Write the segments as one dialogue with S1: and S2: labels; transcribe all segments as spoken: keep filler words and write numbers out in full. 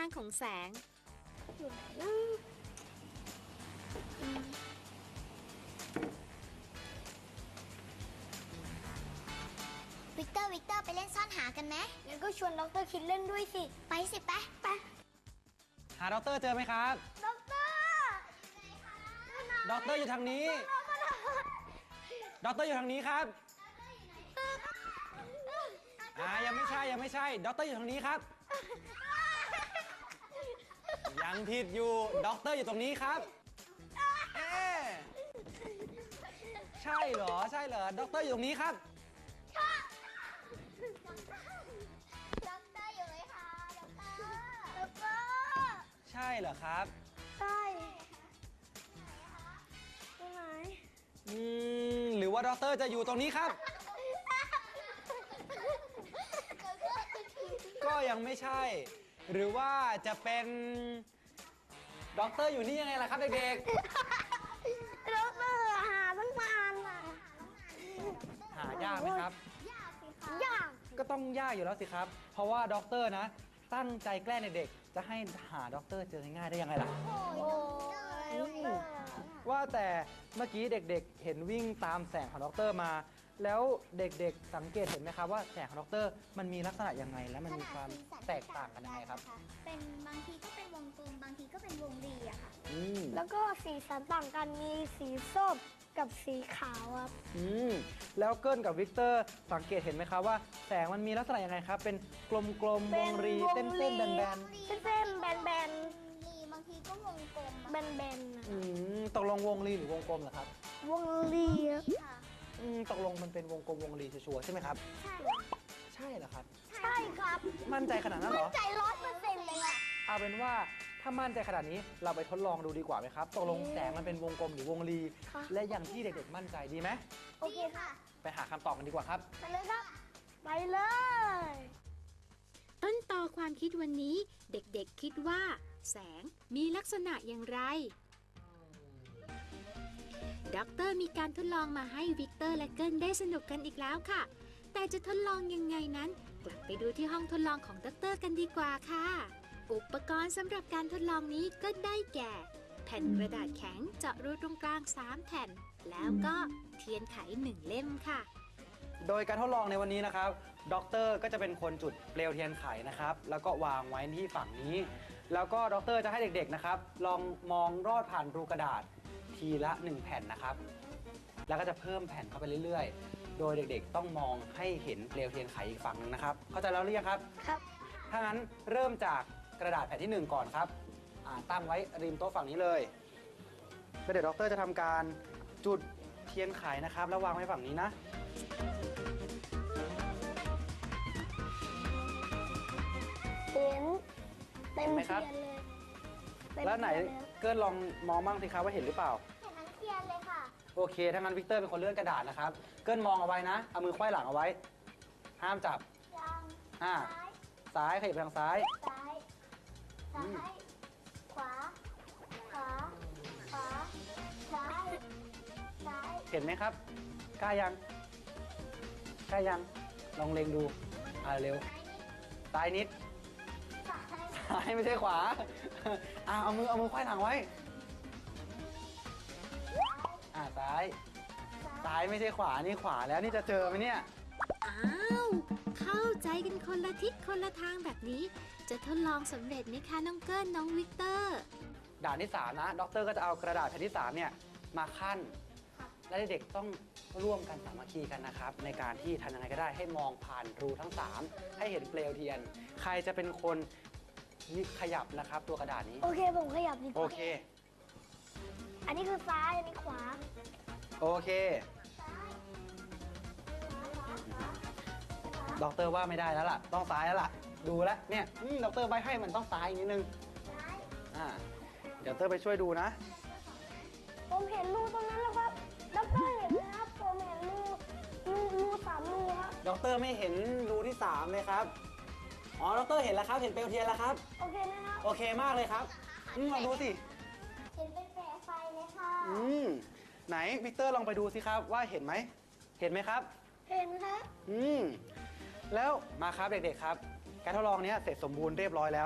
S1: างของแสง
S2: วิกเตอร์วิกเตอร์ไปเล่นซ่อนหากันไหมงั้นก็ชวนดรคิดเล่นด้วยสิไปสิไปไป
S3: หาด็อกเตอร์เจอไหมครับ
S2: ดร
S3: ด็อกเตอร์อยู่ทางนี้ด็อกเตอร์อยู่ทางนี้ครับอ่ายังไม่ใช่ยังไม่ใช่ด็อกเตอร์อยู่ทางนี้ครับยังผิดอยู่ด็อกเตอร์อยู่ตรงนี้ครับเอ๊ะใช่เหรอใช่เหรอด็อกเตอร์อยู่ตรงนี้ครับ
S2: ด็อกเตอร์อยู่ไหมคะด็อกเตอร์ด็อกเตอร์
S3: ใช่เหรอครับ
S2: ใช่ใช่ไหม
S3: อืมหรือว่าด็อกเตอร์จะอยู่ตรงนี้ครับก็ยังไม่ใช่หรือว่าจะเป็นด็อกเตอร์อยู่นี่ยังไงล่ะครับเด็ก
S2: ๆด็อกเตอร์หาตั้งนานอ่ะ
S3: หายากไหมครับ
S2: ยากสิคะยาก
S3: ก็ต้องยากอยู่แล้วสิครับเพราะว่าด็อกเตอร์นะตั้งใจแกล้งเด็กๆจะให้หาด็อกเตอร์เจอง่ายได้ยังไงล่ะ
S2: โอ้ย
S3: ว่าแต่เมื่อกี้เด็กๆเห็นวิ่งตามแสงของด็อกเตอร์มาแล้วเด็กๆสังเกตเห็นไหมครับว่าแสงของด็อกเตอร์มันมีลักษณะยังไงและมันมีความแตกต่างกันยังไงครับ
S2: เป็นบางทีก็เป็นวงกลมบางทีก็เป็นวงรีอะค่ะ
S4: แล้วก็สีสันต่างกันมีสีส้มกับสีขาวครับ
S3: อืมแล้วเกิ้ลกับวิกเตอร์สังเกตเห็นไหมครับว่าแสงมันมีลักษณะยังไงครับเป็นกลมๆวงรีเส้นๆแบน
S4: ๆเส้นๆแบน
S2: ๆรีบางทีก็วงกลม
S4: แบน
S3: ๆอืมตกลงวงรีหรือวงกลมเหรอครับ
S4: วงรี
S2: ค่ะ
S3: อืมตกลงมันเป็นวงกลมวงรีชัวร์ใช่ไหมครับ
S2: ใช่
S3: ใช่เหรอครับ
S4: ใช่ครับ
S3: มั่นใจขนาดนั้นเหรอ
S2: มั่นใจร้อยเปอร์เซ็นต์เลยอะ
S3: เอาเป็นว่าถ้ามั่นใจขนาดนี้เราไปทดลองดูดีกว่าไหมครับตกลงแสงมันเป็นวงกลมหรือวงรีและอย่างที่เด็กๆมั่นใจดีไหม
S2: โอเคค่ะ
S3: ไปหาคำตอบกันดีกว่าครับ
S2: ไปเลยครับ
S4: ไปเลย
S1: ต้นตอความคิดวันนี้เด็กๆคิดว่าแสงมีลักษณะอย่างไรด็อกเตอร์มีการทดลองมาให้วิกเตอร์และเกิลได้สนุกกันอีกแล้วค่ะแต่จะทดลองยังไงนั้นกลับไปดูที่ห้องทดลองของด็อกเตอร์กันดีกว่าค่ะอุปกรณ์สำหรับการทดลองนี้ก็ได้แก่แผ่นกระดาษแข็งเจาะรูตรงกลางสามแผ่นแล้วก็เทียนไขหนึ่งเล่มค่ะ
S3: โดยการทดลองในวันนี้นะครับด็อกเตอร์ก็จะเป็นคนจุดเปลวเทียนไขนะครับแล้วก็วางไว้ที่ฝั่งนี้แล้วก็ด็อกเตอร์จะให้เด็กๆนะครับลองมองรอดผ่านรูกระดาษทีละหนึ่งแผ่นนะครับแล้วก็จะเพิ่มแผ่นเข้าไปเรื่อยๆโดยเด็กๆต้องมองให้เห็นเปลวเทียนไขอีกฝั่งนึงนะครับเข้าใจแล้วหรือยังครับ
S4: ครับ
S3: ถ้างั้นเริ่มจากกระดาษแผ่นที่หนึ่งก่อนครับตั้งไว้ริมโต๊ะฝั่งนี้เลยแล้วเดี๋ยวด็อกเตอร์จะทำการจุดเทียนไขนะครับแล้ววางไว้ฝั่งนี้นะ
S4: เห็นเต็มเทียนเลย
S3: แล้วไหนเกิร์ลลองมองบ้างสิครับว่าเห็นหรือเปล่า
S2: เห็นทั้งเทียนเลยค่ะ
S3: โอเคถ้างั้นวิกเตอร์เป็นคนเลื่อนกระดาษนะครับเกิร์ลมองเอาไว้นะเอามือไขว้หลังเอาไว้ห้ามจับอ่าซ้ายขยับไปทางซ้าย
S2: ซ้ายซ้ายขวาขวาขวาซ้ายซ้าย
S3: เห็นไหมครับกล้ายังกล้ายังลองเล็งดูอ่าเร็วซ้ายนิดซ้ายไม่ใช่ขวาอ่าเอามือเอามือไขว้หลังไว้อ่าซ้ายซ้ายไม่ใช่ขวานี่ขวาแล้วนี่จะเจอไหมเนี่ย
S1: อ้าวเข้าใจกันคนละทิศคนละทางแบบนี้จะทดลองสำเร็จไหมคะน้องเกิลน้องวิกเตอร์
S3: ด่านที่สามนะด็อกเตอร์ก็จะเอากระดาษแผ่นที่สามเนี่ยมาคั่นและเด็กๆต้องร่วมกันสามัคคีกันนะครับในการที่ทำยังไงก็ได้ให้มองผ่านรูทั้งสามให้เห็นเปลวเทียนใครจะเป็นคนขยับนะครับตัวกระดาษนี้
S4: โอเคผมขยับดีกว่า
S3: โอเค
S4: อันนี้คือซ้ายอันนี้ขวา
S3: โอเคด็อกเตอร์ว่าไม่ได้แล้วล่ะต้องซ้ายแล้วล่ะดูแล้วเนี่ยด็อกเตอร์ใบให้มันต้องซ้ายนิดนึงอ่าเดี๋ยวเตอร์ไปช่วยดูนะ
S4: ผมเห็นรูตรงนั้นแล้วครับด็อกเตอร์เห็นไหมครับผมเห็นรูรูรูสามรูครับ
S3: ด็อกเตอร์ไม่เห็นรูที่สามเลยครับอ๋อด็อกเตอร์เห็นแล้วครับเห็นเปลวเทียนแล้วครับ
S4: โอเคนะครับ
S3: โอเคมากเลยครับอืมลองดูสิ
S2: เห็นเป็นแสงไฟเลยค่ะ
S3: อืมไหนวิกเตอร์ลองไปดูสิครับว่าเห็นไหมเห็นไหมครับ
S4: เห็นครับ
S3: อืมแล้วมาครับเด็กๆครับการทดลองนี้เสร็จสมบูรณ์เรียบร้อยแล้ว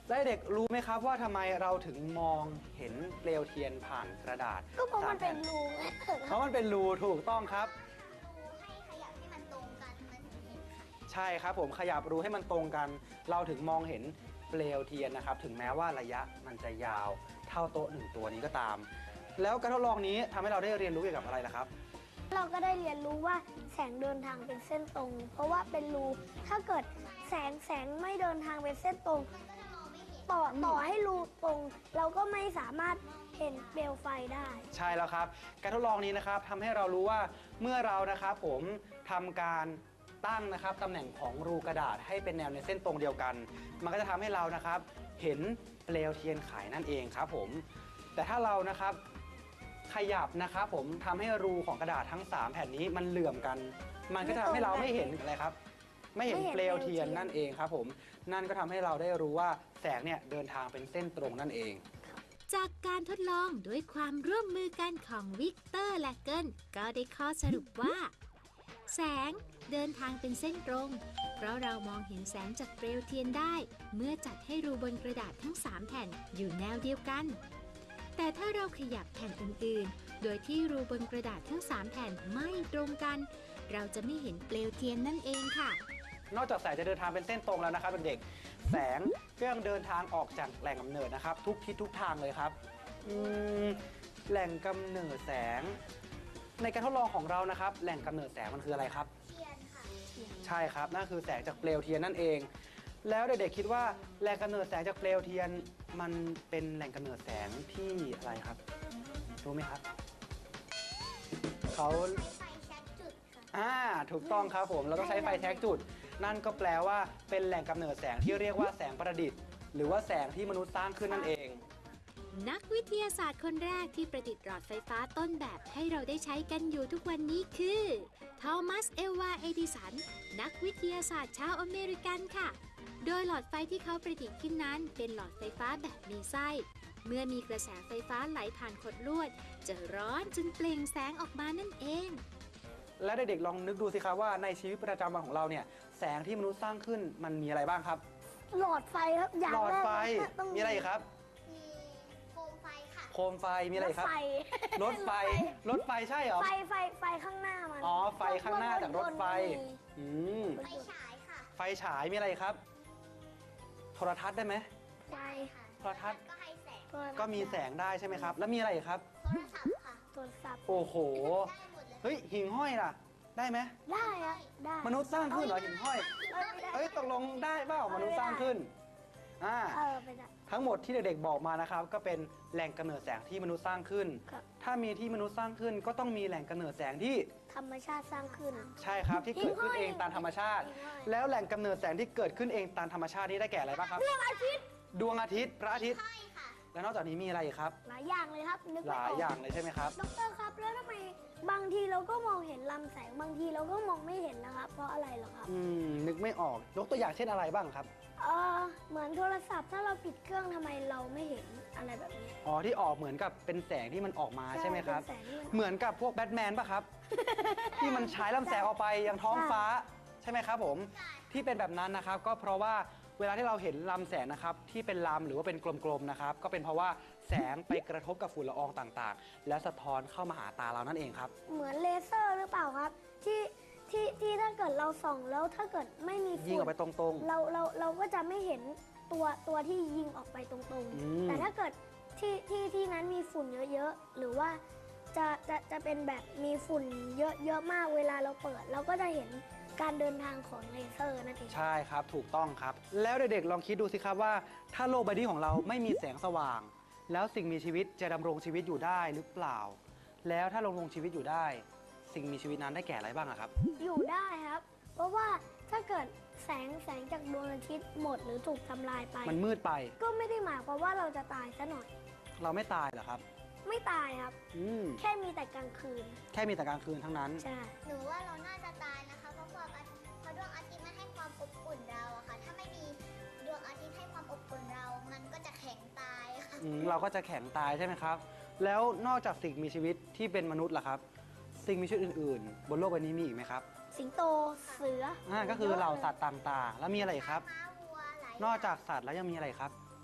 S3: และเด็กรู้ไหมครับว่าทำไมเราถึงมองเห็นเปลวเทียนผ่านกระดาษ
S4: ก็เพราะมัน
S3: ส
S4: เป็น
S3: แผ่
S4: รูไง
S3: เพราะมันเป็นรูถูกต้องครับ
S2: ดูให้ขยับให้มันตรงกันมันถึงเห็นค่ะ
S3: ใช่ครับผมขยับรูให้มันตรงกัน เราถึงมองเห็นเปลวเทียนนะครับ ถึงแม้ว่าระยะมันจะยาวเท่าโต๊ะหนึ่งตัวนี้ก็ตาม แล้วการทดลองนี้ทำให้เราได้เรียนรู้เกี่ยวกับอะไรล่ะครับ
S4: เราก็ได้เรียนรู้ว่าแสงเดินทางเป็นเส้นตรง เพราะว่าเป็นรูถ้าเกิดแสงแสงไม่เดินทางเป็นเส้นตรง
S2: มันก็จะมองไม่เห็น
S4: ต่อต่อให้รูตรง เราก็ไม่สามารถเห็นเปลวไฟได้
S3: ใช่แล้วครับ การทดลองนี้นะครับทำให้เรารู้ว่าเมื่อเรานะครับผมทำการตั้งนะครับตำแหน่งของรูกระดาษให้เป็นแนวในเส้นตรงเดียวกัน มันก็จะทำให้เรานะครับเห็นเปลวเทียนไขนั่นเองครับผมแต่ถ้าเรานะครับขยับนะครับผมทำให้รูของกระดาษทั้งสามแผ่นนี้มันเหลื่อมกัน มันก็จะทำให้เราไม่เห็นอะไรครับ ไม่เห็นเปลวเทียนนั่นเองครับผมนั่นก็ทำให้เราได้รู้ว่าแสงเนี่ยเดินทางเป็นเส้นตรงนั่นเอง
S1: จากการทดลองด้วยความร่วมมือกันของวิกเตอร์และเกิลก็ได้ข้อสรุปว่า แสงเดินทางเป็นเส้นตรง เพราะเรามองเห็นแสงจากเปลวเทียนได้ เมื่อจัดให้รูบนกระดาษทั้งสามแผ่นอยู่แนวเดียวกัน แต่ถ้าเราขยับแผ่นอื่นๆ โดยที่รูบนกระดาษทั้งสามแผ่นไม่ตรงกัน เราจะไม่เห็นเปลวเทียนนั่นเองค่ะ
S3: นอกจากแสงจะเดินทางเป็นเส้นตรงแล้วนะครับเด็กๆแสงก็ยังเดินทางออกจากแหล่งกำเนิดนะครับ ทุกทิศทุกทางเลยครับอืมแหล่งกำเนิดแสง ในการทดลองของเรานะครับ แหล่งกำเนิดแสงมันคืออะไรครับ
S2: เทียนค่ะ
S3: ใช่ครับนั่นคือแสงจากเปลวเทียนนั่นเอง แล้วเด็กๆคิดว่าแหล่งกำเนิดแสงจากเปลวเทียนมันเป็นแหล่งกำเนิดแสงที่อะไรครับรู้ไหมครับเขา
S2: ใช้ไฟแช็กจุดค่ะ
S3: อ่าถูกต้องครับผมเราต้องใช้ไฟแช็กจุด นั่นก็แปลว่าเป็นแหล่งกำเนิดแสงที่เรียกว่าแสงประดิษฐ์ หรือว่าแสงที่มนุษย์สร้างขึ้นนั่นเอง
S1: นักวิทยาศาสตร์คนแรกที่ประดิษฐ์หลอดไฟฟ้าต้นแบบให้เราได้ใช้กันอยู่ทุกวันนี้คือทอมัสเอลวาเอดิสันนักวิทยาศาสตร์ชาวอเมริกันค่ะ โดยหลอดไฟที่เขาประดิษฐ์ขึ้นนั้นเป็นหลอดไฟฟ้าแบบมีไส้ เมื่อมีกระแสไฟฟ้าไหลผ่านขดลวด จะร้อนจนเปล่งแสงออกมานั่นเอง
S3: และเด็กๆลองนึกดูสิครับว่าในชีวิตประจำวันของเราเนี่ยแสงที่มนุษย์สร้างขึ้นมันมีอะไรบ้างครับ
S4: หลอดไฟครับอย่าง
S3: หลอด
S4: แรก
S3: ไฟ
S4: เลยต้อง
S3: มีอะไรอีกครับ
S2: มีโคมไฟค่ะ
S3: โคมไฟมีอะไรอีกครับ
S4: ไฟ
S3: รถไฟรถไฟใช่เหรอ
S4: ไฟไฟไฟข้างหน้ามัน
S3: อ๋อไฟข้างหน้าจากรถไฟอืม
S2: ไฟฉายค่ะ
S3: ไฟฉายมีอะไรอีกครับ โทรทัศน์ได้ไหม
S4: ไฟ
S2: ค่ะ
S3: โทรทัศน์
S2: ก็ให้แสง
S3: ก็มีแสงได้ใช่ไหมครับ แล้วมีอะไรอีกครับ
S2: โทรศัพท์ค่ะ
S4: โทรศัพท์
S3: โอ้โห
S2: ได้หมดเลย
S3: เฮ้ยหิ่งห้อยล่ะ ได้ไหม
S4: ได้อะได้
S3: มนุษย์สร้างขึ้นเหรอหิ่งห้อย
S4: เออไม่ได้
S3: เอ้ยตกลงได้เปล่ามนุษย์สร้างขึ้นอ่า
S4: เออไม่ได้
S3: ทั้งหมดที่เด็กๆบอกมานะครับก็เป็นแหล่งกำเนิดแสงที่มนุษย์สร้างขึ้น
S4: ครับ
S3: ถ้ามีที่มนุษย์สร้างขึ้น ก็ต้องมีแหล่งกำเนิดแสงที่
S4: ธรรมชาติสร้างขึ้น
S3: ใช่ครับที่เกิดขึ้นเองตามธรรมชาติ
S4: หิ่งห้อย
S3: แล้วแหล่งกำเนิดแสงที่เกิดขึ้นเองตามธรรมชาตินี้ได้แก่อะไรบ้างครับ
S4: ดวงอาทิตย์
S3: ดวงอาทิตย์พระอาทิตย์
S2: ใช่ค่ะ
S3: และนอกจากนี้มีอะไรอีกครับ
S4: หลายอย่างเลยครับ นึก
S3: ห
S4: ไม่
S3: ลา
S4: อย อก
S3: อย่างเลยใช่ไหมครับ
S4: ดรครับแล้วทำไมบางทีเราก็มองเห็นลำแสงบางทีเราก็มองไม่เห็นนะครับ เพราะอะไรเหรอครับ
S3: อืมนึกไม่ออกยกตัวอย่างเช่นอะไรบ้างครับ
S4: เออเหมือนโทรศัพท์ถ้าเราปิดเครื่องทำไมเราไม่เห็นอะไรแบบนี้
S3: อ๋อที่ออกเหมือนกับเป็นแสงที่มันออกมาใช่ไหมครับ
S4: เป็นแสงที่มัน
S3: เหมือนกับพวกแบทแมนป่ะครับ ที่มันฉายลำแสงออกไปยังท้องฟ้าใช่ไหมครับผมที่เป็นแบบนั้นนะครับ ก็เพราะว่าเวลาที่เราเห็นลำแสงนะครับที่เป็นลำหรือว่าเป็นกลมๆนะครับก็เป็นเพราะว่าแสงไปกระทบกับฝุ่นละอองต่างๆ และสะท้อนเข้ามาหาตาเรานั่นเองครับ
S4: เหมือนเลเซอร์หรือเปล่าครับ ที่ที่ที่ถ้าเกิดเราส่องแล้วถ้าเกิดไม่มี
S3: ยิง
S4: ฝุ่
S3: ออกไปตรง
S4: เราเราเราก็จะไม่เห็นตัวตัวที่ยิงออกไปตรง
S3: อืม
S4: ๆ แต่ถ้าเกิดที่ที่ที่นั้นมีฝุ่นเยอะๆ หรือว่าจะจะจะเป็นแบบมีฝุ่นเยอะเยอะมากเวลาเราเปิด เราก็จะเห็นการเดินทางของเลเซอร์นั่นเอง
S3: ๆ ใช่ครับถูกต้องครับ แล้วเด็กๆลองคิดดูสิครับว่า ถ้าโลกใบนี้ของเราไม่มีแสงสว่าง แล้วสิ่งมีชีวิตจะดำรงชีวิตอยู่ได้หรือเปล่า แล้วถ้าดำรงชีวิตอยู่ได้ สิ่งมีชีวิตนั้นได้แก่อะไรบ้างอะครับ
S4: อยู่ได้ครับ เพราะว่าถ้าเกิดแสงแสงจากดวงอาทิตย์หมดหรือถูกทำลายไป
S3: มันมืดไป
S4: ก็ไม่ได้หมายความว่าเราจะตายซะหน่อย
S3: เราไม่ตายเหรอครับ
S4: ไม่ตายครับ
S3: อืม
S4: แค่มีแต่กลางคืน
S3: แค่มีแต่กลางคืนทั้งนั้น
S4: ใช่
S2: หนูว่าเราน่าจะตายนะคะ เพราะความอาทิตย์เพราะดวงอาทิตย์มันให้ความอบอุ่นเราอะค่ะ ถ้าไม่มีดวงอาทิตย์ให้ความอบอุ่นเรา มันก็จะแข็งตายค่ะ
S3: อืมเราก็จะแข็งตายใช่ไหมครับ แล้วนอกจากสิ่งมีชีวิตที่เป็นมนุษย์ล่ะครับ สิ่งมีชีวิตอื่นๆ บนโลกใบนี้มีอีกไหมครับ
S4: สิงโตเสือ
S3: อ่าก็คือเหล่าสัตว์ต่างๆ แล้วมีอะไรอีกครับ
S2: ม้าวัวหลาย
S3: นอกจากสัตว์แล้วยังมีอะไรครับ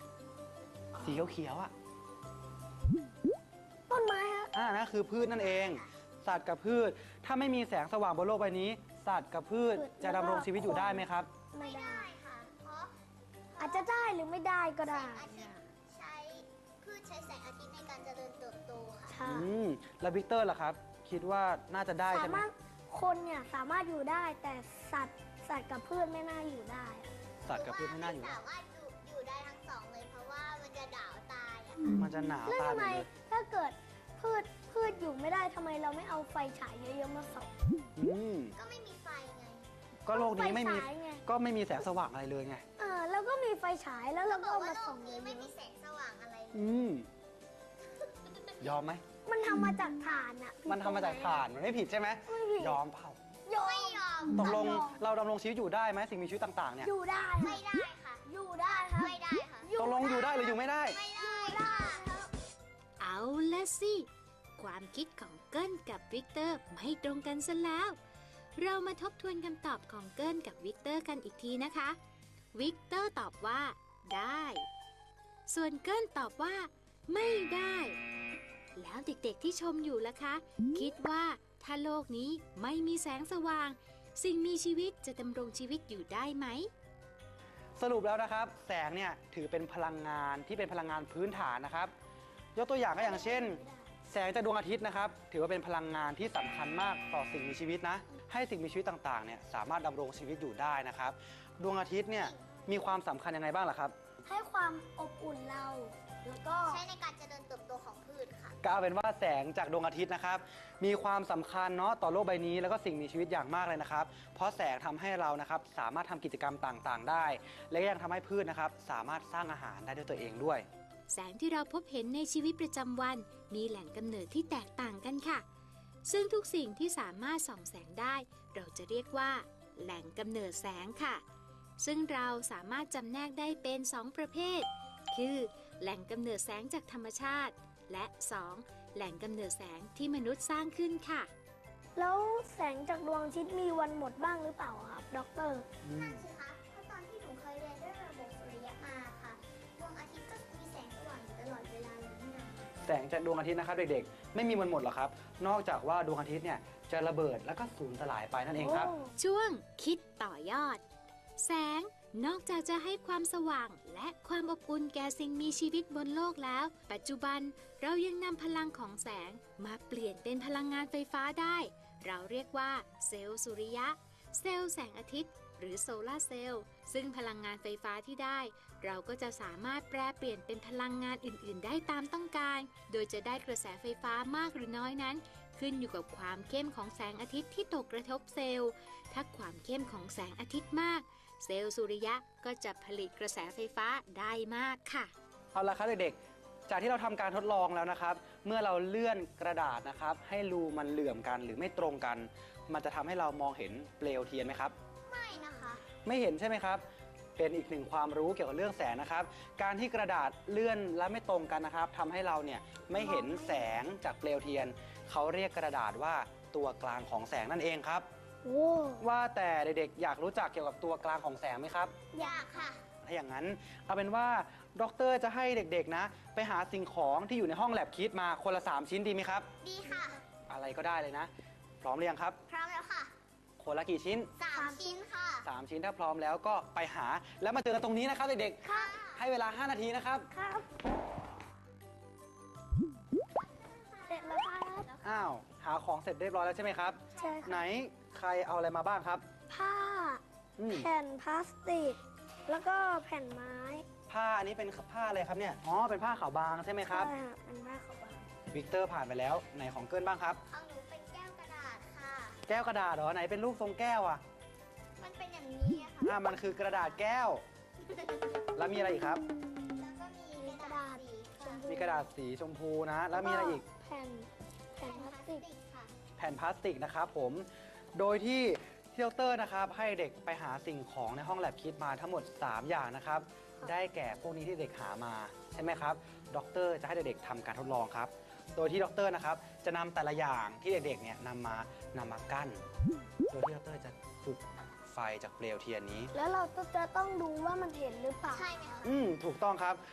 S3: สีเขียวๆอ่ะ
S4: ต้นไม้ครับ
S3: อ่านั่นคือพืชนั่นเอง สัตว์กับพืช ถ้าไม่มีแสงสว่างบนโลกใบนี้ สัตว์กับพืชจะดำรงชีวิตอยู่ได้ไหมครับ
S4: ไม่
S2: ไม่
S4: ได้
S2: ได้ค่ะ เพราะ
S4: อาจจะได้หรือไม่ได้ก็
S2: แส
S4: ได้
S2: งอาทิตย์ใช้พืชใช้แสงอาทิตย์ในการเจริญเติบโตค่ะ
S4: ใช่
S3: อืม แล้ววิกเตอร์ล่ะครับ คิดว่าน่าจะได้
S4: สา
S3: ใช่ไหม
S4: มารถคนเนี่ยสามารถอยู่ได้แต่สัตว์สัตว์กับพืชไม่น่าอยู่ได้
S3: สัตว์กับพืชไม่น่าอยู่
S2: หรื
S3: ได้
S2: ว่าไม่สามารถอยู่อยู่ได้ทั้งสองเลย เพราะว่ามันจะด่าวตายอะ
S3: มันจะหนาว
S4: แล้ว
S3: ตาย
S4: ทำ
S3: หม
S4: ไม
S3: ดเลย
S4: ถ้าเกิดพืชพืชอยู่ไม่ได้ทำไมเราไม่เอาไฟฉายเยอะๆมาส่อง
S3: อืม
S2: ก็ไม่มีไฟไง
S3: ก็โลกนี้ไม่มี
S4: ฟฉายไง
S3: ก็ไม่มีแสงสว่างอะไรเลยไง
S4: เออแล้วก็มีไฟฉายแล้วเราก็
S2: บอก
S4: เอา
S2: ว่า
S4: มา
S2: โล
S4: ส่อก งเย
S2: นี้ไม่
S4: อะ
S2: มีแสงสว่างอะไรเลย
S3: อืม ยอมไหม
S4: ๆมันทำมาจากถ่านอะ
S3: มันทำมาจากถ่าน มันไม่ผิดใช่ไหม
S4: ไม่ผิด
S3: ยอมเปล่า
S4: ยอม
S2: ไม่ยอม
S3: ตกลง
S4: ยอม
S3: เราดำรงชีวิตอยู่ได้ไหมสิ่งมีชีวิตต่างๆเนี่ย
S4: อยู่ได้
S2: ไม่ได้ค่ะ
S4: อยู่ได้ครับ
S2: ไม่ได้ค่ะ
S3: ตกลงอยู่ได้หรืออยู่ไม่ได้
S2: ไม่ได้ค่ะ
S1: เอาละสิ ความคิดของเกิลกับวิกเตอร์ไม่ตรงกันซะแล้ว เรามาทบทวนคำตอบของเกิลกับวิกเตอร์กันอีกทีนะคะ วิกเตอร์ตอบว่าได้ ส่วนเกิลตอบว่า ไม่ได้ แล้วเด็กๆที่ชมอยู่ล่ะคะ คิดว่าถ้าโลกนี้ไม่มีแสงสว่าง สิ่งมีชีวิตจะดำรงชีวิตอยู่ได้ไหม
S3: สรุปแล้วนะครับ แสงเนี่ยถือเป็นพลังงานที่เป็นพลังงานพื้นฐานนะครับ ยกตัวอย่างก็อย่างเช่น แสงจากดวงอาทิตย์นะครับ ถือว่าเป็นพลังงานที่สำคัญมากต่อสิ่งมีชีวิตนะ ให้สิ่งมีชีวิตต่างๆเนี่ยสามารถดำรงชีวิตอยู่ได้นะครับ ดวงอาทิตย์เนี่ยมีความสำคัญยังไงบ้างล่ะครับ
S4: ให้ความอบอุ่นเรา แล้วก็
S2: ใช้ในการเจริญเติบโตของพืชค่ะ
S3: ก็เอาเป็นว่าแสงจากดวงอาทิตย์นะครับ มีความสำคัญเนาะต่อโลกใบนี้แล้วก็สิ่งมีชีวิตอย่างมากเลยนะครับ เพราะแสงทำให้เรานะครับสามารถทำกิจกรรมต่างๆ ได้ และก็ยังทำให้พืชนะครับสามารถสร้างอาหารได้ด้วยตัวเองด้วย
S1: แสงที่เราพบเห็นในชีวิตประจำวัน มีแหล่งกำเนิดที่แตกต่างกันค่ะ ซึ่งทุกสิ่งที่สามารถส่องแสงได้ เราจะเรียกว่า แหล่งกำเนิดแสงค่ะ ซึ่งเราสามารถจำแนกได้เป็นสองประเภท คือ แหล่งกำเนิดแสงจากธรรมชาติ และ สอง แหล่งกำเนิดแสงที่มนุษย์สร้างขึ้นค่ะ
S4: แล้วแสงจากดวงอาทิตย์มีวันหมดบ้างหรือเปล่าครับด็อกเตอร์
S2: นั่นสิคะ เพราะตอนที่หนูเคยเรียนเรื่องระบบสุริยะมาค่ะ ดวงอาทิตย์ก็มีแสงสว่างอยู่ตลอดเวลาเลยนี่นะ
S3: แสงจากดวงอาทิตย์นะครับเด็กๆ ไม่มีวันหมดหรอกครับ นอกจากว่าดวงอาทิตย์เนี่ยจะระเบิดแล้วก็สูญสลายไปนั่นเองครับ
S1: ช่วงคิดต่อยอด แสงนอกจากจะให้ความสว่างและความอบอุ่นแก่สิ่งมีชีวิตบนโลกแล้ว ปัจจุบันเรายังนำพลังของแสงมาเปลี่ยนเป็นพลังงานไฟฟ้าได้ เราเรียกว่าเซลล์สุริยะ เซลล์แสงอาทิตย์ หรือโซลาร์เซลล์ซึ่งพลังงานไฟฟ้าที่ได้ เราก็จะสามารถแปลเปลี่ยนเป็นพลังงานอื่น ๆ ได้ตามต้องการ โดยจะได้กระแสไฟฟ้ามากหรือน้อยนั้น ขึ้นอยู่กับความเข้มของแสงอาทิตย์ที่ตกกระทบเซลล์ ถ้าความเข้มของแสงอาทิตย์มาก เซลล์สุริยะก็จะผลิตกระแสไฟฟ้าได้มากค่ะ
S3: เอาละครับเด็กๆ จากที่เราทำการทดลองแล้วนะครับ เมื่อเราเลื่อนกระดาษนะครับ ให้รูมันเหลื่อมกันหรือไม่ตรงกัน มันจะทำให้เรามองเห็นเปลวเทียนไหมครับ
S2: ไม่นะคะ
S3: ไม่เห็นใช่ไหมครับ เป็นอีกหนึ่งความรู้เกี่ยวกับเรื่องแสงนะครับ การที่กระดาษเลื่อนและไม่ตรงกันนะครับทำให้เราเนี่ยไม่เห็นแสงจากเปลวเทียน เขาเรียกกระดาษว่าตัวกลางของแสงนั่นเองครับ
S4: โอ้
S3: ว่าแต่เด็กๆ อยากรู้จักเกี่ยวกับตัวกลางของแสงไหมครับ
S2: อยากค่ะ
S3: ถ้าอย่างนั้นเอาเป็นว่าด็อกเตอร์จะให้เด็กๆนะ ไปหาสิ่งของที่อยู่ในห้องแลบคิดมาคนละสามชิ้นดีไหมครับ
S2: ดีค่ะ
S3: อะไรก็ได้เลยนะ พร้อมหรือยังครับ
S2: พร้อมแล้วค่ะ
S3: คนละกี่ชิ้น
S2: สามชิ้นค่ะ
S3: สามชิ้นถ้าพร้อมแล้วก็ไปหาแล้วมาเจอกันตรงนี้นะครับเด็ก
S2: ค่ะ
S3: ๆให้เวลาห้านาทีนะครับ
S4: ครับเสร็จแล้วครับ
S3: อ้าวหาของเสร็จเรียบร้อยแล้วใช่ไหมครับ
S4: ใช่ครับ
S3: ไหนใครเอาอะไรมาบ้างครับ
S4: ผ้า
S3: อืม
S4: แผ่นพลาสติก แล้วก็แผ่นไม้
S3: ผ้าอันนี้เป็นผ้าอะไรครับเนี่ยอ๋อเป็นผ้าขาวบางใช่ไหมครับ
S4: ใช่ครับเป็นผ้าขาวบาง
S3: วิกเตอร์ผ่านไปแล้วไหนของเกินบ้างครับ
S2: เอาหนูเป็นแก้วกระดาษค่ะ
S3: แก้วกระดาษเหรอไหนเป็นรูปทรงแก้วอ่ะ
S2: มันเป็นอย่างนี้อะค่ะ
S3: อ่ามันคือกระดาษแก้ว แล้วมีอะไรอีกครับ
S2: แล้วก็มีกระดาษสีค่ะ
S3: มีกระดาษสีชมพูนะ แล้วมีอะไรอีก
S4: แผ่นแผ่นพลาสติก
S2: ค่ะ
S3: แผ่นพลาสติกนะครับผม โดยที่ที่ดรนะครับ ให้เด็กไปหาสิ่งของในห้องแลบคิดมาทั้งหมด สาม อย่างนะครับ ได้แก่พวกนี้ที่เด็กหามาใช่ไหมครับดรจะให้เด็กๆทำการทดลองครับ โดยที่ดรนะครับจะนำแต่ละอย่างที่เด็กๆเนี่ยนำมานำมากั้น โดยที่ดรจะจุดไฟจากเปลวเทียนนี้
S4: แล้วเราก็จะต้องดูว่ามันเห็นหรือเปล่า
S2: ใช่ไหมคะ
S3: อืมถูกต้องครับ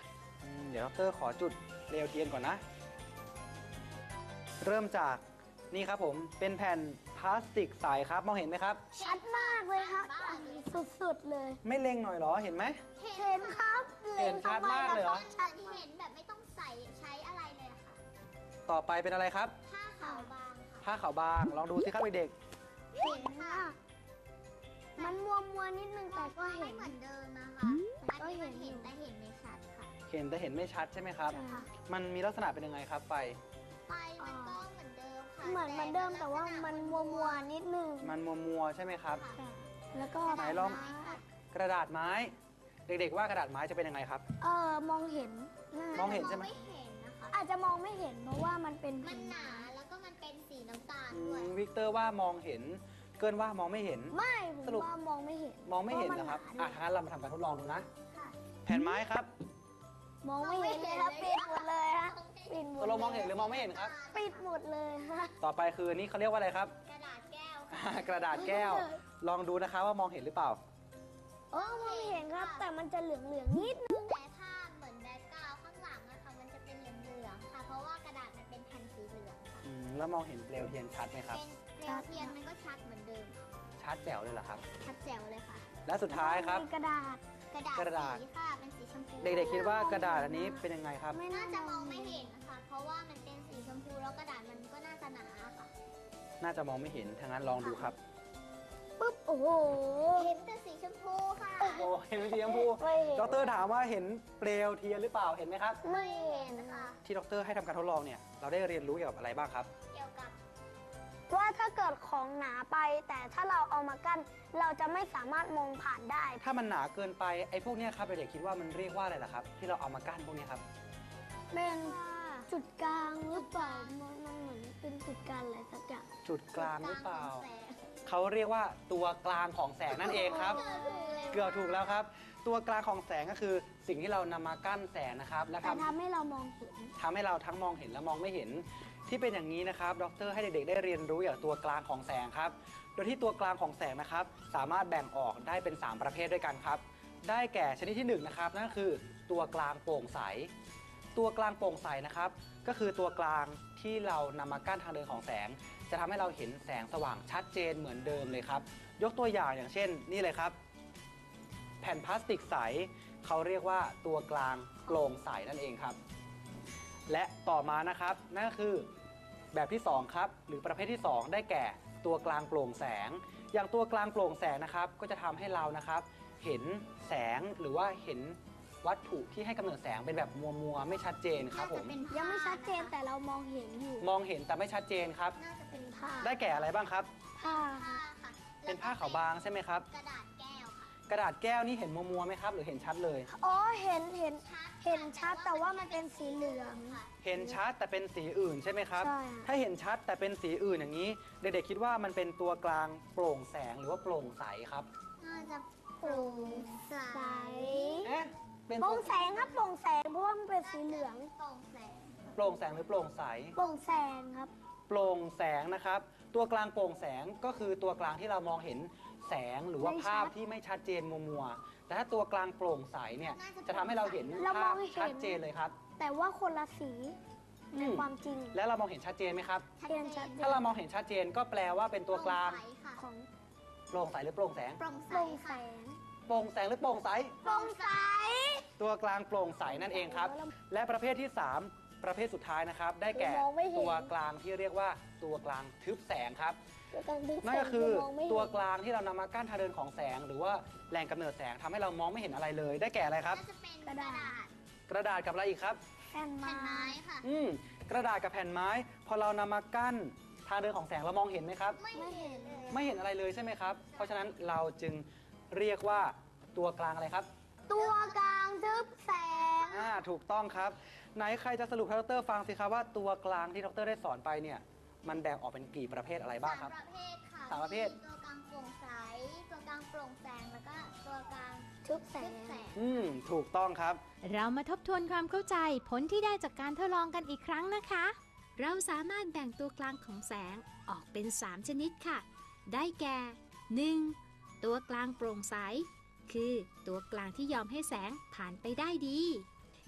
S3: อืมเดี๋ยวดรขอจุดเปลวเทียนก่อนนะ เริ่มจากนี่ครับผมเป็นแผ่นพลาสติกใสครับมองเห็นไหมครับ
S4: ชัดมากเลยครับสุดๆเลย
S3: ไม่เล็งหน่อยเหรอเห็นไหม
S4: เห็นครับ
S3: เห็นชัดมากเลยเหรอ
S2: ชัดเห็นแบบไม่ต้องใส่ใช้อะไรเลยอะค่ะ
S3: ต่อไปเป็นอะไรครับ
S2: ผ้าขาวบางค่ะ
S3: ผ้าขาวบางลองดูสิครับเด็ก
S4: เห็นค่ะมันมัวมัวๆนิดนึงแต่ก็เห็
S2: ไม่
S4: น
S2: เหมือนเดิมนะคะอัน
S4: ก็
S2: นี้
S4: เห็
S2: มัน น
S4: อยู่
S2: เห็นแต่เห็นไม่ชัดค่ะ
S3: ๆเห็นแต่เห็นไม่ชัดใช่ไหมครับ
S4: ใช่ค่ะ
S3: มันมีลักษณะเป็นยังไงครับไฟ
S2: ไฟมันก็เหมือนเดิมค่ะ
S4: เหมือนเหมือนเดิมแต่ว่ามันมัวมัวๆนิดนึง
S3: มันมัวมัวๆใช่ไหมครับ
S2: ค่ะ
S4: แล้วก็
S3: ไหนลอง กระดาษไม้ เด็กๆว่ากระดาษไม้จะเป็นยังไงครับ
S4: เออมองเห็นน่าม
S3: องเห็นใช่ไหม
S2: ไม่เห็นนะคะ
S4: อาจจะมองไม่เห็นเพราะว่ามันเป็น
S2: มันหนาแล้วก็มันเป็นสีน้ำตาล
S3: อื
S2: ด้วย
S3: มวิกเตอร์ว่ามองเห็น เกินว่ามองไม่เห็น
S4: ไม่ผม
S3: สรุป
S4: ว่ามองไม่เห็น
S3: มองไม่เห็นนะครับ
S4: เพา
S3: อ่ะ
S4: ว่ามั
S3: งั้นเรามาทำการทดลองดูนะ
S2: ค่ะ
S3: แผ่นไม้ครับ
S4: มองไม่เห็นเลยครับปิดหมดเลยฮะปิดหม
S3: ต
S4: ด
S3: กลงมองเห็นหรือมองไม่เห็นครับ
S4: ปิดหมดเลยฮะ
S3: ต่อไปคือนี่เขาเรียกว่าอะไรครับ
S2: กระดาษแก้วค่ะ
S3: กระดาษแก้ว ลองดูนะคะว่ามองเห็นหรือเปล่า
S4: โอ้มองเห็นครับ แต่มันจะเหลืองเหลืองๆนิดนึง
S2: แต่ถ้าเหมือนแบ็คกราวด์ข้างหลังนะคะมันจะเป็นเหลืองๆค่ะ เพราะว่ากระดาษมันเป็นแผ่นสีเหลืองค่ะ
S3: อืมแล้วมองเห็นเปลวเทียนชัดไหมครับ
S2: เป็นเปลวเทียนมันก็ชัดเหมือนเดิมค่ะ
S3: ชัดแจ๋วเลยเหรอครับ
S2: ชัดแจ๋วเลยค่ะ
S3: และสุดท้ายครับ
S4: มีกระดาษ
S2: กระดาษ
S3: กระดาษ
S2: สีค่ะเป็นสีชมพู
S3: เด็กๆคิดว่ากระดาษอันนี้เป็นยังไงครับ
S4: ไม่
S2: น่า
S4: น่า
S2: จะ
S4: จะ
S2: ม
S4: ม
S2: อ
S4: อง ง
S2: ไม่
S4: ไม่
S2: เห็
S4: เห็น
S2: นนะคะ เพราะว่ามันเป็นสีชมพูแล้วกระดาษมันก็น่าจะหนาค่ะ
S3: น่าจะมองไม่เห็นทางนั้นลองดูครับ
S4: ปุ๊บ โอ้โห
S2: เห็นแต่สีชมพูค่ะ
S3: โอ้เห็นเป็นสีชมพู
S4: ไม่เห็น
S3: ดรถามว่าเห็นเปลวเทียนหรือเปล่า เห็นไหมครับ
S4: ไม่เห็น
S2: ค่ะ
S3: ที่ดรให้ทำการทดลองเนี่ย เราได้เรียนรู้เกี่ยวกับอะไรบ้างครับ
S2: เกี่ยวกับ
S4: ว่าถ้าเกิดของหนาไป แต่ถ้าเราเอามากั้น เราจะไม่สามารถมองผ่านได้
S3: ถ้ามันหนาเกินไป ไอ้พวกเนี้ยครับเด็กๆคิดว่ามันเรียกว่าอะไรล่ะครับ ที่เราเอามากั้นพวกเนี้ยครับ
S4: เป็นจุดกลางหรือเปล่า มันมันเหมือนเป็นจุดกลางอะไรสักอย่าง
S3: จุดกลางหรือเปล่า
S2: กลงของแสง
S3: เขาเรียกว่าตัวกลางของแสงนั่นเองครับ เกือบถูกแล้วครับ ตัวกลางของแสงก็คือสิ่งที่เรานำมากั้นแสงนะครับ และ
S4: แต่
S3: ทำ
S4: ทำให้เรามองเห็น
S3: ทำให้เราทั้งมองเห็นและมองไม่เห็น ที่เป็นอย่างนี้นะครับ ดรให้เด็กๆ ได้เรียนรู้อย่างตัวกลางของแสงครับ โดยที่ตัวกลางของแสงนะครับ สามารถแบ่งออกได้เป็น สาม ประเภทด้วยกันครับ ได้แก่ชนิดที่หนึ่งนะครับนั่นก็คือตัวกลางโปร่งใส ตัวกลางโปร่งใสนะครับ ก็คือตัวกลางที่เรานำมากั้นทางเดินของแสง จะทำให้เราเห็นแสงสว่างชัดเจนเหมือนเดิมเลยครับ ยกตัวอย่างอย่างเช่น นี่เลยครับ แผ่นพลาสติกใสเขาเรียกว่าตัวกลางโปร่งใสนั่นเองครับ และต่อมานะครับนั่นก็คือแบบที่สองครับหรือประเภทที่สองได้แก่ตัวกลางโปร่งแสง อย่างตัวกลางโปร่งแสงนะครับก็จะทำให้เรานะครับ เห็นแสงหรือว่าเห็นวัตถุที่ให้กำเนิดแสงเป็นแบบมัวๆไม่ชัดเจนครับผม
S2: น่าจะเป็น
S4: ยังไม่ชัดเจนแต่เรามองเห็นอยู่
S3: มองเห็นแต่ไม่ชัดเจนครับ
S2: น่าจะเป็น
S4: ผ้า
S3: ได้แก่อะไรบ้างครับ
S4: ผ้า
S2: ผ้าค่ะ
S3: เป็นผ้าขาวบางใช่ไหมครับ
S2: กระดาษแก้วค่ะ
S3: กระดาษแก้วนี่เห็นมัวๆไหมครับหรือเห็นชัดเลย
S4: อ๋อ เห็น เห็น
S2: ชัด
S4: เห็นชัดแต่ว่ามันเป็นสีเหลือง
S2: ค่ะ
S3: เห็นชัดแต่เป็นสีอื่นใช่ไหมครับ
S4: ใช่ค่ะ
S3: ถ้าเห็นชัดแต่เป็นสีอื่นอย่างนี้ เด็กๆคิดว่ามันเป็นตัวกลางโปร่งแสงหรือว่าโปร่งใสครับ
S2: น่าจะโปร่งใส
S4: ใส
S3: เอ๊ะเป็น
S4: โปร่งแสงครับโปร่งแสงเพราะว่ามันเป็นสีเหลือง
S2: โปร่งแสง
S3: โปร่งแสงหรือโปร่งใส
S4: โปร่งแสงครับ
S3: โปร่งแสงนะครับ ตัวกลางโปร่งแสงก็คือตัวกลางที่เรามองเห็นแสงหรือว่า
S4: ไม่ชัด
S3: ภาพที่ไม่ชัดเจนมัวๆแต่ถ้าตัวกลางโปร่งใสเนี่ยจะทำให้เราเห็น
S4: เราม
S3: ภา
S4: อ
S3: พ
S4: งเห็น
S3: ชัดเจนเลยครับ
S4: แต่ว่าคนละสี
S3: อื
S4: ใน
S3: ม
S4: ความจริง
S3: แล้วเรามองเห็นชัดเจนไหมครับ
S2: ชัด
S4: เห็น
S2: เจ
S4: ชัด
S2: น
S4: เจ
S3: ถ้าเรามองเห็นชัดเจนก็แปลว่าเป็นตัวกลาง
S2: โปร่ใสค่ะ
S4: ของ
S3: โปร่งใสหรือโปร่งแสง
S2: โปร่งใส
S4: โปร่งแส
S2: ค่ะ
S4: ง
S3: โปร่งแสงหรือโปร่งใส
S2: โปร่งใส
S3: ตัวกลางโปร่งใสนั่นเองครับ และประเภทที่สามประเภทสุดท้ายนะครับ ได้แก่
S4: มองไม่เห็น
S3: ตัวกลางที่เรียกว่าตัวกลางทึบแสงครับ
S4: ตัวกลางดึง
S3: นั่นก็คือ
S4: มงไม่เห็น
S3: ตัวกลางที่เรานำมากั้นทางเดินของแสง หรือว่าแหล่งกำเนิดแสงทำให้เรามองไม่เห็นอะไรเลย ได้แก่อะไรครับ
S2: น่าจะเป็นกระดาษ
S3: กระดาษกับอะไรอีกครับ
S4: แผ่น
S2: แผ่น
S4: ไม้
S2: ไม้ค่ะ
S3: อืมกระดาษกับแผ่นไม้ พอเรานำมากั้นทางเดินของแสงเรามองเห็นไหมครับ
S2: ไม่เห็นเลย
S3: ไม่เห็นอะไรเลยใช่ไหมครับ เพราะฉะนั้นเราจึงเรียกว่าตัวกลางอะไรครับ
S4: ตัวกลางทึบแสง
S3: อ่าถูกต้องครับ ไหนใครจะสรุปให้ดรฟังสิครับว่าตัวกลางที่ดรได้สอนไปเนี่ยมันแบ่งออกเป็นกี่ประเภทอะไรบ้างครับ
S2: สามประเภทค่ะ
S3: สามประเภท
S2: มีตัวกลางโปร่งใส ตัวกลางโปร่งแสง แล้วก็ตัวกลาง
S4: ทึบแส
S2: ทึ
S4: ง
S2: บแสง
S3: อืมถูกต้องครับ
S1: เรามาทบทวนความเข้าใจผลที่ได้จากการทดลองกันอีกครั้งนะคะ เราสามารถแบ่งตัวกลางของแสงออกเป็น สาม ชนิดค่ะ ได้แก่ หนึ่ง ตัวกลางโปร่งใส คือตัวกลางที่ยอมให้แสงผ่านไปได้ดี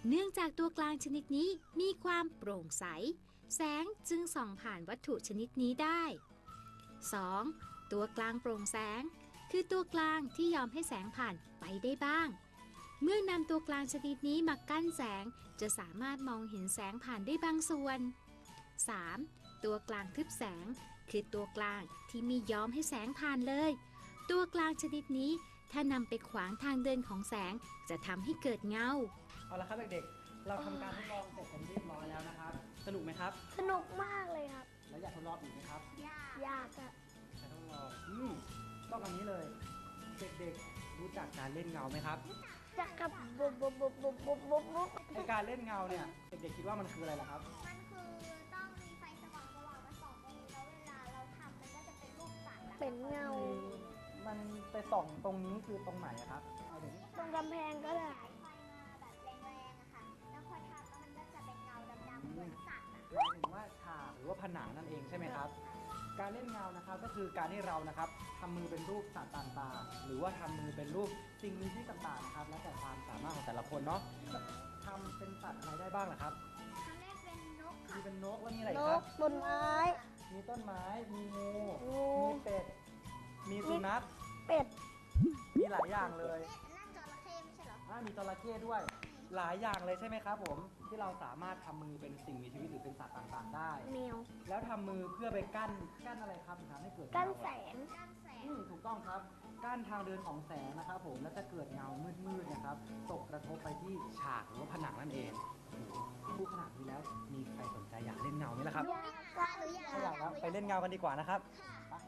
S1: เนื่องจากตัวกลางชนิดนี้มีความโปร่งใสแสงจึงส่องผ่านวัตถุชนิดนี้ได้ สอง. ตัวกลางโปร่งแสงคือตัวกลางที่ยอมให้แสงผ่านไปได้บ้างเมื่อนำตัวกลางชนิดนี้มากั้นแสงจะสามารถมองเห็นแสงผ่านได้บางส่วน สาม. ตัวกลางทึบแสงคือตัวกลางที่ไม่ยอมให้แสงผ่านเลยตัวกลางชนิดนี้ถ้านำไปขวางทางเดินของแสงจะทำให้เกิดเงา
S3: เอาละครับเด็กๆ เราทำการทดลองเสร็จเป็นที่เรียบร้อยแล้วนะครับ สนุกไหมครับ
S4: สนุกมากเลยครับ
S3: แล้วอยากทดลองอีกไหมครับ
S2: ยาก
S4: อยากอะ
S3: อยากทดลองอืมต้องอันนี้เลย เด็กๆ รู้จักการเล่นเงาไหมครับ
S4: จะกับบุบบุบบุบบุบบุบบุบบุบ
S3: ไอการเล่นเงาเนี่ย เด็กๆ คิดว่ามันคืออะไรล่ะครับ
S2: มันคือต้องมีไฟสว่างสว่างมาส่องตรงนี้แล้วเวลาเราทำมันก็จะเป็นรูปสัตว์อะ
S4: เป็นเงา
S3: มันไปส่องตรงนี้คือตรงไหนอะครับเอาเดี๋ยวนี้
S4: ตรงกำแพงก็ได้
S2: ไฟมาแบบแรงๆอะค่ะ แล้วพอทำแล้วมันก็จะเป็นเงาดำๆเหมือนสัตว์อะ
S3: หมายถึงว่าฉากหรือว่าผนังนั่นเองใช่ไหมครับ การเล่นเงานะครับก็คือการที่เรานะครับทำมือเป็นรูปสัตว์ต่างๆหรือว่าทำมือเป็นรูปสิ่งมีชีวิตต่างๆนะครับแล้วแต่ความสามารถของแต่ละคนเนาะทำเป็นสัตว์อะไรได้บ้างล่ะครับ
S2: ครั้งแรกเป็นนก
S3: มี
S2: ค่ะ
S3: เป็นนกแล้วมีอะไร
S4: น
S3: อีกครั
S4: ก
S3: บ
S4: บนไม้
S3: มีต้นไม้ มีงู
S4: งู
S3: มีเป็ด มีสุนัข
S4: เป็ด
S3: มีหลายอย่างเลย
S2: นั่นจระเข้ไม่ใช่เหรอ
S3: อ่ามีจระเข้ด้วย หลายอย่างเลยใช่ไหมครับผมที่เราสามารถทำมือเป็นสิ่งมีชีวิตหรือเป็นสัตว์ต่างๆ ได้
S4: แมว
S3: แล้วทำมือเพื่อไปกั้นกั้นอะไรครับถึงทำให้เกิด
S4: กั้น
S3: เงาอะ
S4: แสง
S2: ด้านแสง
S3: อืมถูกต้องครับกั้นทางเดินของแสงนะครับผมแล้วจะเกิดเงามืดๆนะครับตกกระทบไปที่ฉากหรือว่าผนังนั่นเองโอ้โหพูดขนาดนี้แล้วมีใครสนใจอยากเล่นเงาไหมล่ะครับ
S2: อยากค่ะหรืออยาก
S3: ถ้าอยากแล้วไปเล่นเงากันดีกว่านะครับ
S2: ค่ะ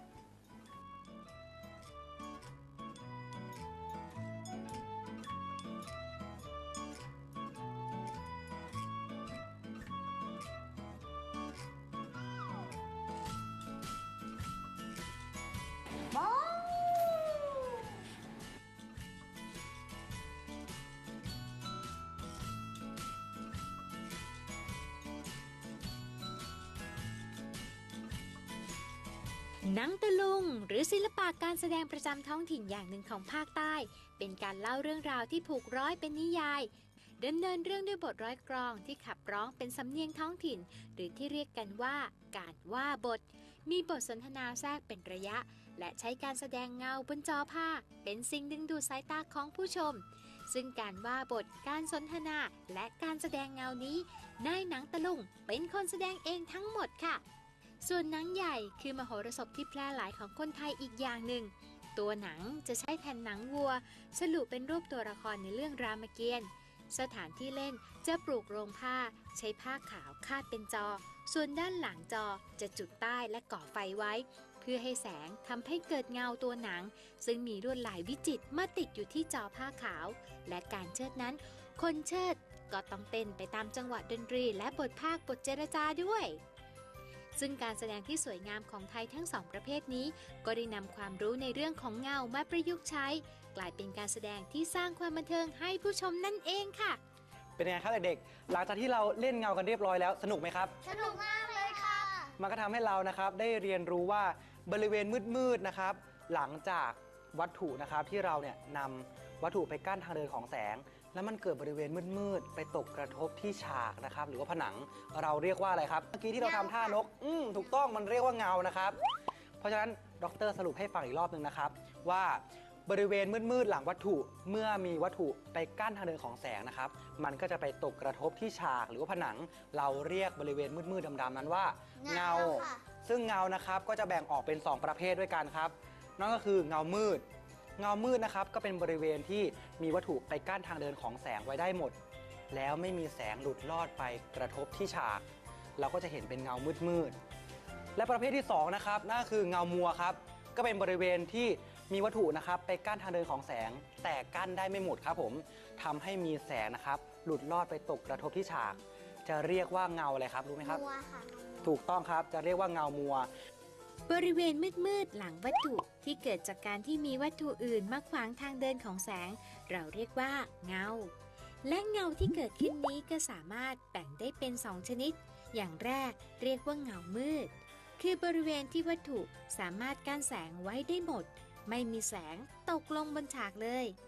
S1: หนังตะลุงหรือศิลปะการแสดงประจำท้องถิ่นอย่างหนึ่งของภาคใต้ เป็นการเล่าเรื่องราวที่ผูกร้อยเป็นนิยายดำเนินเรื่องด้วยบทร้อยกลองที่ขับร้องเป็นสำเนียงท้องถิ่น หรือที่เรียกกันว่าการว่าบท มีบทสนทนาแทรกเป็นระยะ และใช้การแสดงเงาบนจอผ้า เป็นสิ่งดึงดูดสายตาของผู้ชม ซึ่งการว่าบทการสนทนาและการแสดงเงานี้นายหนังตะลุงเป็นคนแสดงเองทั้งหมดค่ะ ส่วนหนังใหญ่คือมโหรสพที่แพร่หลายของคนไทยอีกอย่างหนึ่ง ตัวหนังจะใช้แผ่นหนังวัวฉลุเป็นรูปตัวละครในเรื่องรามเกียรติ์สถานที่เล่นจะปลูกโรงผ้าใช้ผ้าขาวคาดเป็นจอ ส่วนด้านหลังจอจะจุดใต้และก่อไฟไว้ เพื่อให้แสงทำให้เกิดเงาตัวหนัง ซึ่งมีลวดลายวิจิตรมาติดอยู่ที่จอผ้าขาว และการเชิดนั้น คนเชิดก็ต้องเต้นไปตามจังหวะดนตรีและบทภาคบทเจรจาด้วย ซึ่งการแสดงที่สวยงามของไทยทั้งสองประเภทนี้ ก็ได้นำความรู้ในเรื่องของเงามาประยุกต์ใช้ กลายเป็นการแสดงที่สร้างความบันเทิงให้ผู้ชมนั่นเองค่ะ
S3: เป็นไงครับเด็กๆหลังจากที่เราเล่นเงากันเรียบร้อยแล้วสนุกไหมครับ
S2: สนุกมากเลยค่ะ
S3: มันก็ทำให้เรานะครับได้เรียนรู้ว่าบริเวณมืดๆนะครับหลังจากวัตถุนะครับที่เราเนี่ยนำวัตถุไปกั้นทางเดินของแสง แล้วมันเกิดบริเวณมืดๆไปตกกระทบที่ฉากนะครับหรือว่าผนังเราเรียกว่าอะไรครับเมื่อกี้ที่เราทำท่านกอืมถูกต้องมันเรียกว่าเงานะครับเพราะฉะนั้นดรสรุปให้ฟังอีกรอบหนึ่งนะครับว่าบริเวณมืดๆหลังวัตถุเมื่อมีวัตถุไปกั้นทางเดินของแสงนะครับมันก็จะไปตกกระทบที่ฉากหรือว่าผนังเราเรียกบริเวณมืดๆดำๆนั้นว่าเงา
S2: เงาค่ะ
S3: ซึ่งเงานะครับก็จะแบ่งออกเป็น สอง ประเภทด้วยกันครับนั่นก็คือเงามืด เงามืดนะครับก็เป็นบริเวณที่มีวัตถุไปกั้นทางเดินของแสงไว้ได้หมด แล้วไม่มีแสงหลุดลอดไปกระทบที่ฉาก เราก็จะเห็นเป็นเงามืดมืดๆและประเภทที่สองนะครับนั่นก็คือเงามัวครับก็เป็นบริเวณที่มีวัตถุนะครับไปกั้นทางเดินของแสง แต่กั้นได้ไม่หมดครับผมทำให้มีแสงนะครับหลุดลอดไปตกกระทบที่ฉาก จะเรียกว่าเงาอะไรครับรู้ไหมครับ
S2: มัวค่ะ
S3: ถูกต้องครับจะเรียกว่าเงามัว
S1: บริเวณมืดๆหลังวัตถุที่เกิดจากการที่มีวัตถุอื่นมาขวางทางเดินของแสง เราเรียกว่าเงา และเงาที่เกิดขึ้นนี้ก็สามารถแบ่งได้เป็นสองชนิด อย่างแรกเรียกว่าเงามืด คือบริเวณที่วัตถุสามารถกั้นแสงไว้ได้หมด ไม่มีแสงตกลงบนฉากเลย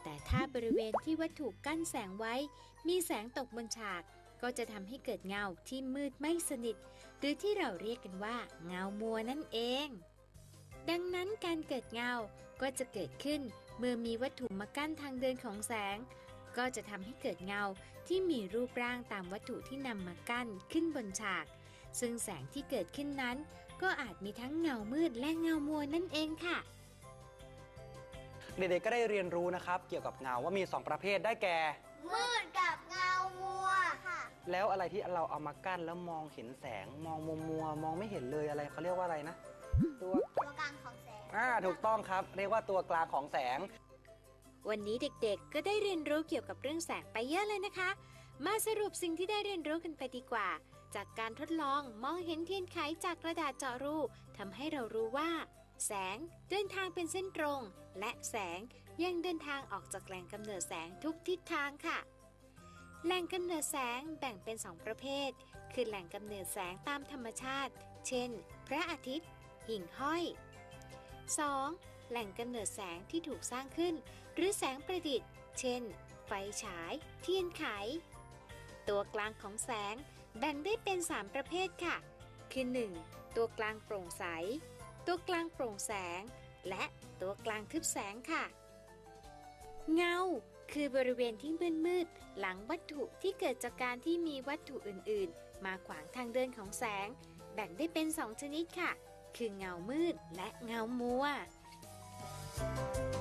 S1: แต่ถ้าบริเวณที่วัตถุกั้นแสงไว้มีแสงตกบนฉากก็จะทำให้เกิดเงาที่มืดไม่สนิทหรือที่เราเรียกกันว่าเงามัวนั่นเองดังนั้นการเกิดเงาก็จะเกิดขึ้นเมื่อมีวัตถุมากั้นทางเดินของแสงก็จะทำให้เกิดเงาที่มีรูปร่างตามวัตถุที่นำมากั้นขึ้นบนฉากซึ่งแสงที่เกิดขึ้นนั้นก็อาจมีทั้งเงามืดและเงามัวนั่นเองค่ะ
S3: เด็กๆก็ได้เรียนรู้นะครับเกี่ยวกับเงาว่ามีสองประเภทได้แก่
S2: มืดกับเงามัวค่ะ
S3: แล้วอะไรที่เราเอามากั้นแล้วมองเห็นแสงมองมัวมัวมองไม่เห็นเลยอะไรเขาเรียกว่าอะไรนะตัว
S2: ตัวกลางของแสง
S3: อ่าถูกต้องครับเรียกว่าตัวกลางของแสง
S1: วันนี้เด็กๆก็ได้เรียนรู้เกี่ยวกับเรื่องแสงไปเยอะเลยนะคะมาสรุปสิ่งที่ได้เรียนรู้กันไปดีกว่าจากการทดลองมองเห็นเทียนไขจากกระดาษเจาะรูทำให้เรารู้ว่าแสงเดินทางเป็นเส้นตรงและแสงยังเดินทางออกจากแหล่งกำเนิดแสงทุกทิศทางค่ะแหล่งกำเนิดแสงแบ่งเป็นสองประเภทคือแหล่งกำเนิดแสงตามธรรมชาติเช่นพระอาทิตย์หิ่งห้อย สอง. แหล่งกำเนิดแสงที่ถูกสร้างขึ้นหรือแสงประดิษฐ์เช่นไฟฉายเทียนไขตัวกลางของแสงแบ่งได้เป็นสามประเภทค่ะคือ หนึ่ง. ตัวกลางโปร่งใสตัวกลางโปร่งแสงและตัวกลางทึบแสงค่ะเงาคือบริเวณที่มืดๆหลังวัตถุที่เกิดจากการที่มีวัตถุอื่นๆมาขวางทางเดินของแสงแบ่งได้เป็นสองชนิดค่ะคือเงามืดและเงามัว